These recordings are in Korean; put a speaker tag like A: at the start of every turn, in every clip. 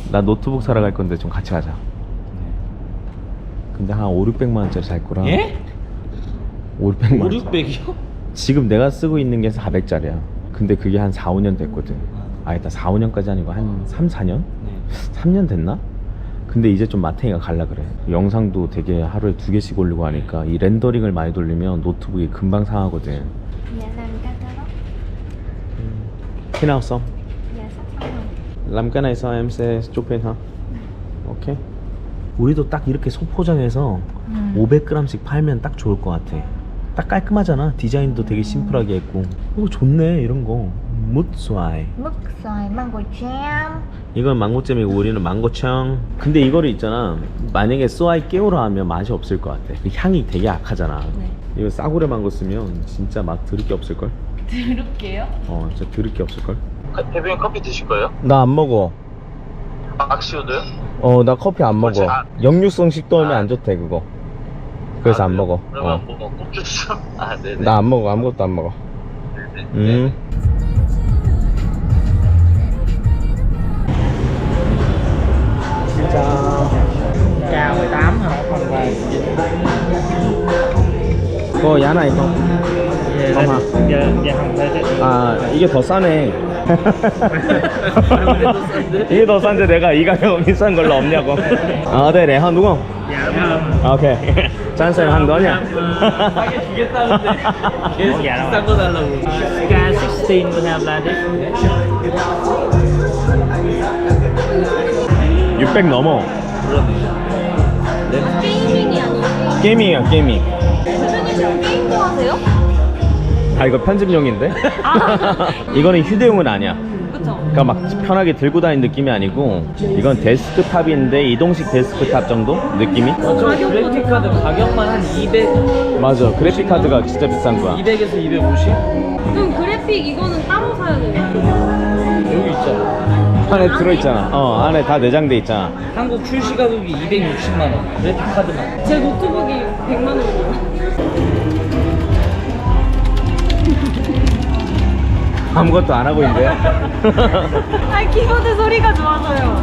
A: 나 노트북 사러 갈 건데 좀 같이 가자. 근데 한 5,600만 원짜리 살 거라.
B: 예?
A: 5,600만 원.
B: 5,600이요?
A: 지금 내가 쓰고 있는 게 400짜리야. 근데 그게 한 4, 5년 됐거든. 아니다, 4, 5년까지 아니고 한 3, 4년?
B: 네.
A: 3년 됐나? 근데 이제 좀 마탱이가 갈라 그래. 영상도 되게 하루에 2개씩 올리고 하니까 이 렌더링을 많이 돌리면 노트북이 금방 상하거든.
C: Dạ làm cái đó.
A: Khi nào xong?
C: Dạ sắp xong rồi.
A: Làm cái này xong em sẽ chụp hình hả? 오케이. 우리도 딱 이렇게 소포장해서 500g씩 팔면 딱 좋을 것 같아. 딱 깔끔하잖아. 디자인도 되게 심플하게 했고. 좋네 이런 거. 뭇수아이.
C: Mứt xoài mango jam.
A: 이건 망고잼이고 우리는 망고청. 근데 이거를 있잖아, 만약에 쏘아이 깨우라 하면 맛이 없을 것 같아. 그 향이 되게 약하잖아.
C: 네.
A: 이거 싸구려 망고 쓰면 진짜 맛 들을 게 없을걸?
C: 드럽게요?
A: 진짜 들을 게 없을걸?
D: 대표님 커피 드실 거예요?
A: 나 안 먹어.
D: 악시오도요?
A: 나 커피 안 먹어. 역류성 식도염이 안 좋대 그거. 그래서 안 먹어.
D: 그러면 뭐 꿀주스? 아 네네.
A: 나 안 먹어. 아무것도 안 먹어.
D: 네네.
A: 진짜.
B: Cao 18 hả? Không về.
A: 그거 야나 이거.
B: Dạ không thế chứ.
A: 아 이게 더 싸네. 이게 더 싼데 내가 이 가격 비싼 걸로 없냐고. 네네. 한 누구?
B: Dạ không.
A: 오케이. 짠쌤 한 너냐?
B: 싸게 주겠다는데 계속 비싼 거 달라고. K16 we have like this.
A: 600 넘어.
C: 게이밍이 아니에요?
A: 게이밍이야 게이밍.
C: 대표님 게임도 하세요?
A: 아 이거 편집용인데?
C: 아.
A: 이거는 휴대용은 아니야.
C: 그쵸?
A: 그러니까 막 편하게 들고 다니는 느낌이 아니고, 이건 데스크탑인데 이동식 데스크탑 정도 느낌이?
B: 그래픽 카드 가격만 한 200.
A: 맞아. 그래픽 카드가 진짜 비싼 거야.
B: 200에서 250?
C: 그럼 그래픽 이거는 따로 사야 돼요?
B: 여기 있잖아.
A: 안에 들어있잖아. 안에 다 내장돼 있잖아.
B: 한국 출시 가격이 260만 원. 그래픽 카드만.
C: 제 노트북이 100만 원이에요.
A: 아무것도 안 하고 있는데요?
C: 아 키보드 소리가 좋아서요.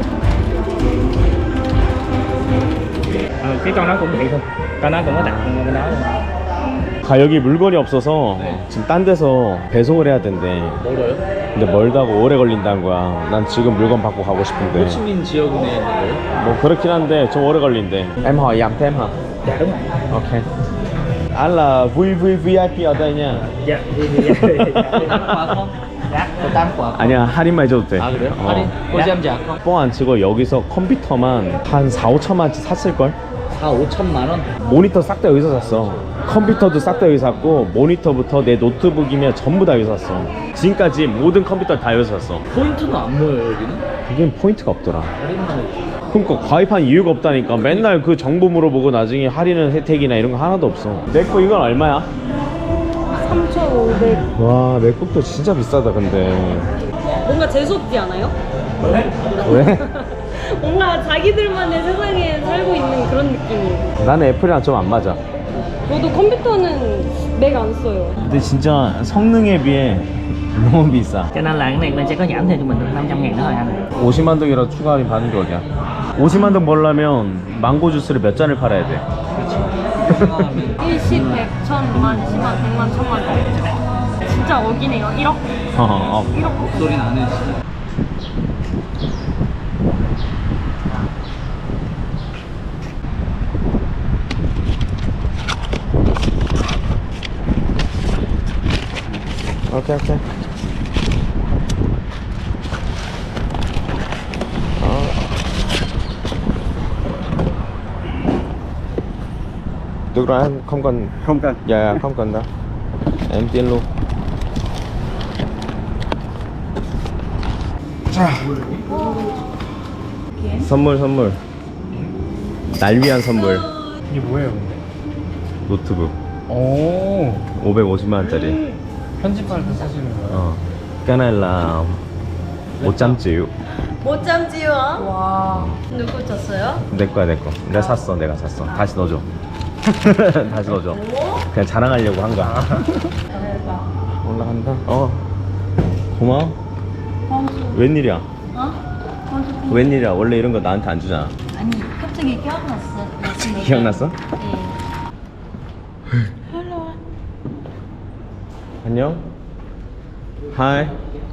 B: Cái con đó cũng vậy thôi. Con đó cũng có đặt cái đó luôn.
A: 가격이 물건이 없어서
B: 네.
A: 지금 딴 데서 배송을 해야 된대.
B: 멀어요?
A: 근데 멀다고 오래 걸린다는 거야. 난 지금 물건 받고 가고 싶은데.
B: 호치민 지역에 있는 거예요?
A: 뭐 그렇긴 한데 좀 오래 걸린대. Em hỏi giảm thêm hả?
B: Dạ đúng rồi.
A: Ok. Anh là VIP ở đây nha.
B: Dạ. Tám quả không? Dạ. Có 8 quả không?
A: 아니야, 할인만 해줘도 돼.
B: 아 그래요? 할인? 꿀잼 자 không?
A: 뻥 안 치고 여기서 컴퓨터만 한 4, 5천만원치 샀을걸?
B: 4, 5천만 원?
A: 모니터 싹 다 여기서 샀어. 컴퓨터도 싹 다 여기서 샀고, 모니터부터 내 노트북이면 전부 다 여기서 샀어. 지금까지 모든 컴퓨터 다 여기서 샀어.
B: 포인트는 안 모여요 여기는?
A: 그게 포인트가 없더라.
B: 할인만 해주지.
A: 그러니까 가입한 이유가 없다니까. 맨날 그 정보 물어보고 나중에 할인은 혜택이나 이런 거 하나도 없어. 내 거 이건 얼마야?
C: 3,500.
A: 와, 맥북도 진짜 비싸다 근데.
C: 뭔가 재수없지 않아요?
A: 왜?
C: 뭔가 자기들만의 세상에 살고 있는 그런 느낌이에요.
A: 나는 애플이랑 좀 안 맞아.
C: 저도 컴퓨터는 맥 안 써요.
A: 근데 진짜 성능에 비해 너무 비싸.
B: Cho nên là cái này bên sẽ có giảm thêm cho mình được 500.000 nữa thôi anh.
A: 50만 동이라 추가 할인 받은 게 어디야? 50만 동 벌려면 망고 주스를 몇 잔을 팔아야 돼?
C: 일시, 100, 1000만, 10만, 100만, 1000만. 진짜 억이네요. 1억? 1억.
B: 목소리는 안 해. 진짜.
A: 오케이. Được rồi anh, không cần.
D: Không cần.
A: Dạ không cần đâu. Em tiến luôn. 선물. 날 위한 선물.
D: 이게 뭐예요 근데?
A: 노트북.
D: 오.
A: 550만 원짜리.
D: 편집할 때 쓰시는 거예요?
A: Cái này là 100 triệu.
C: 못 참지요? 와. 누구 줬어요?
A: 내 거야. 내가 샀어. 다시 넣어줘. 다시 넣어줘. 그냥 자랑하려고 한 거야. 올라간다. 고마워. 웬일이야?
C: 어?
A: 웬일이야? 원래 이런 거 나한테 안 주잖아.
C: 아니 갑자기 기억났어.
A: 기억났어?
C: 네. 헬로.
A: 안녕. 하이.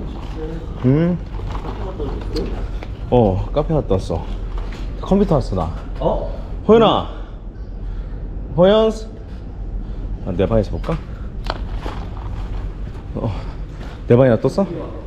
A: 카페 갔다 왔어. 컴퓨터 왔어 나. 호연아. 호연스. 내 방에서 볼까? 내 방에 놔뒀어?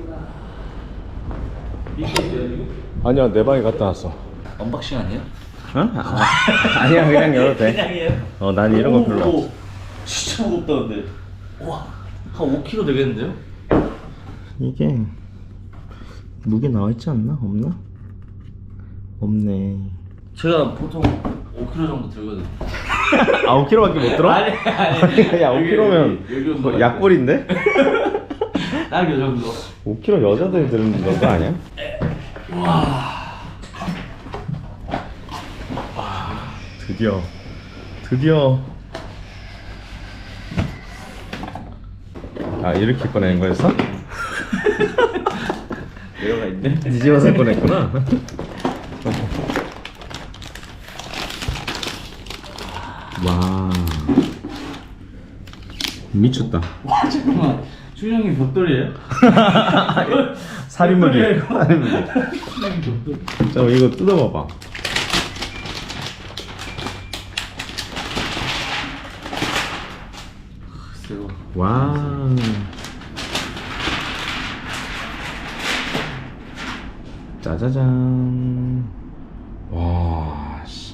A: 아니야, 내 방에 갔다 왔어.
B: 언박싱 아니에요?
A: 아니야, 그냥 열어도 돼.
B: 그냥이에요?
A: 난 이런 거 별로 없어.
B: 진짜 무겁다 근데. 와, 한 5kg 되겠는데요?
A: 이게 무게 나와 있지 않나? 없나? 없네.
B: 제가 보통 5kg 정도 들거든요.
A: 5kg밖에 못 들어?
B: 아니.
A: 야, 5kg면 약골인데?
B: 딱 이 정도.
A: 5kg 여자들이 드는 거 아니야? 드디어 이렇게 꺼내는 거였어?
B: 내려가 있네.
A: 뒤집어서 꺼냈구나. 와, 미쳤다.
B: 와 잠깐만. 준영이 벽돌이에요?
A: 살인무기.
B: 벽돌이에요.
A: 살인무기.
B: 준영이 벽돌.
A: 잠깐 이거 뜯어봐봐.
B: 글쎄요.
A: 와. 짜자잔. 와. 씨.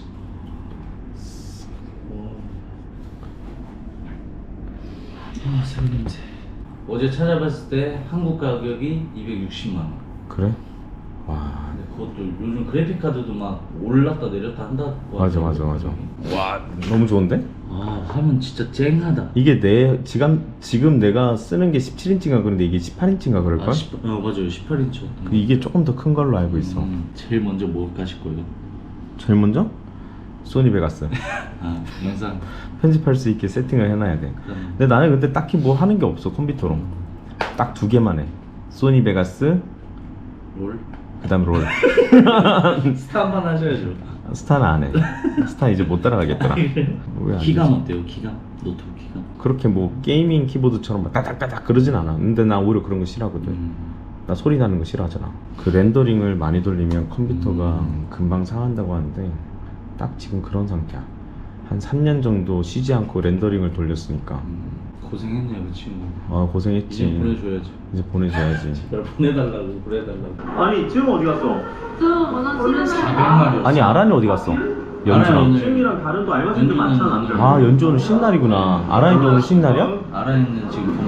B: 새우 냄새. 어제 찾아봤을 때 한국 가격이 260만 원.
A: 그래? 와.
B: 근데 그것도 요즘 그래픽 카드도 막 올랐다 내렸다 한다고.
A: 맞아.
B: 하더라고요.
A: 와, 너무 좋은데?
B: 아 화면 진짜 쨍하다.
A: 이게 지금 내가 쓰는 게 17인치인가 그런데 이게 18인치인가 그럴걸?
B: 맞아요 18인치.
A: 이게 조금 더 큰 걸로 알고 있어.
B: 제일 먼저 뭘 가실 거예요?
A: 제일 먼저? 소니 베가스.
B: 아 영상.
A: 편집할 수 있게 세팅을 해놔야 돼. 근데 나는 근데 딱히 뭐 하는 게 없어 컴퓨터로. 딱 두 개만 해. 소니 베가스,
B: 롤?
A: 그다음 롤.
B: 스타 한번 하셔야죠.
A: 스타는 안 해. 스타 이제 못 따라가겠더라. 왜안
B: 기감
A: 되지?
B: 어때요? 기감? 노트북 기감?
A: 그렇게 뭐 게이밍 키보드처럼 막 따닥따닥 그러진 않아. 근데 나 오히려 그런 거 싫어하거든. 나 소리 나는 거 싫어하잖아. 그 렌더링을 많이 돌리면 컴퓨터가 금방 상한다고 하는데 딱 지금 그런 상태야. 한 3년 정도 쉬지 않고 렌더링을 돌렸으니까.
B: 고생했네요 그 친구.
A: 고생했지.
B: 이제 보내줘야죠.
A: 이제 보내줘야지.
B: 제발 보내달라고 그래달라고.
A: 아니 지금 어디 갔어?
C: 저 원하시는
B: 400마리.
A: 아니 아란이 어디 갔어?
B: 아란이
A: 연주랑.
B: 오늘
D: 다른 또 알바생들 많잖아.
A: 아 연주는 신날이구나. 아란이도 오늘 신날이야?
B: 아란이는 지금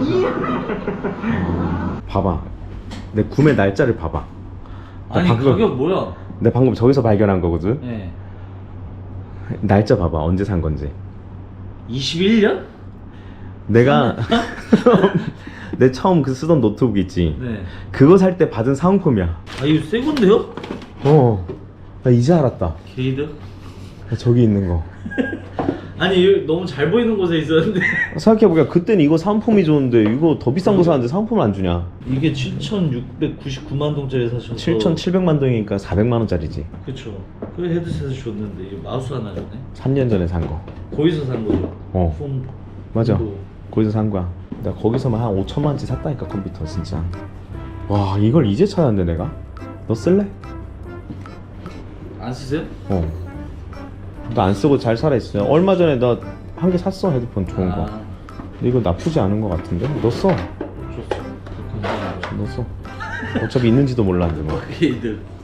B: 검사.
A: 봐봐. 내 구매 날짜를 봐봐.
B: 아니 가격 뭐야?
A: 내 방금 저기서 발견한 거거든.
B: 네.
A: 날짜 봐봐. 언제 산 건지.
B: 21년?
A: 내가 내 처음 그 쓰던 노트북 있지.
B: 네.
A: 그거 살 때 받은 사은품이야.
B: 아 이거 새 건데요?
A: 나 이제 알았다.
B: 게이드?
A: 저기 있는 거.
B: 아니 여기 너무 잘 보이는 곳에 있었는데.
A: 생각해보니까 그땐 이거 사은품이 좋은데 이거 더 비싼 거 사는데 사은품을 안 주냐.
B: 이게 7,699만 동짜리 사셔서
A: 7,700만 동이니까 400만 원짜리지.
B: 그쵸. 그 헤드셋을 줬는데 이 마우스 하나 줬네.
A: 3년 전에 산 거.
B: 거기서 산 거죠? 폰.
A: 맞아.
B: 폰도.
A: 거기서 산 거야. 내가 거기서만 한 5천만 원치 샀다니까 컴퓨터 진짜. 와 이걸 이제 찾았네 내가. 너 쓸래?
B: 안 쓰세요?
A: 너 안 쓰고 잘 살아있어요. 얼마 전에 나 한 개 샀어 헤드폰 좋은 거. 근데 이거 나쁘지 않은 거 같은데? 너 써.
B: 좋죠. 감사합니다.
A: 너 써. 어차피 있는지도 몰랐는데 뭐.
B: 게이드.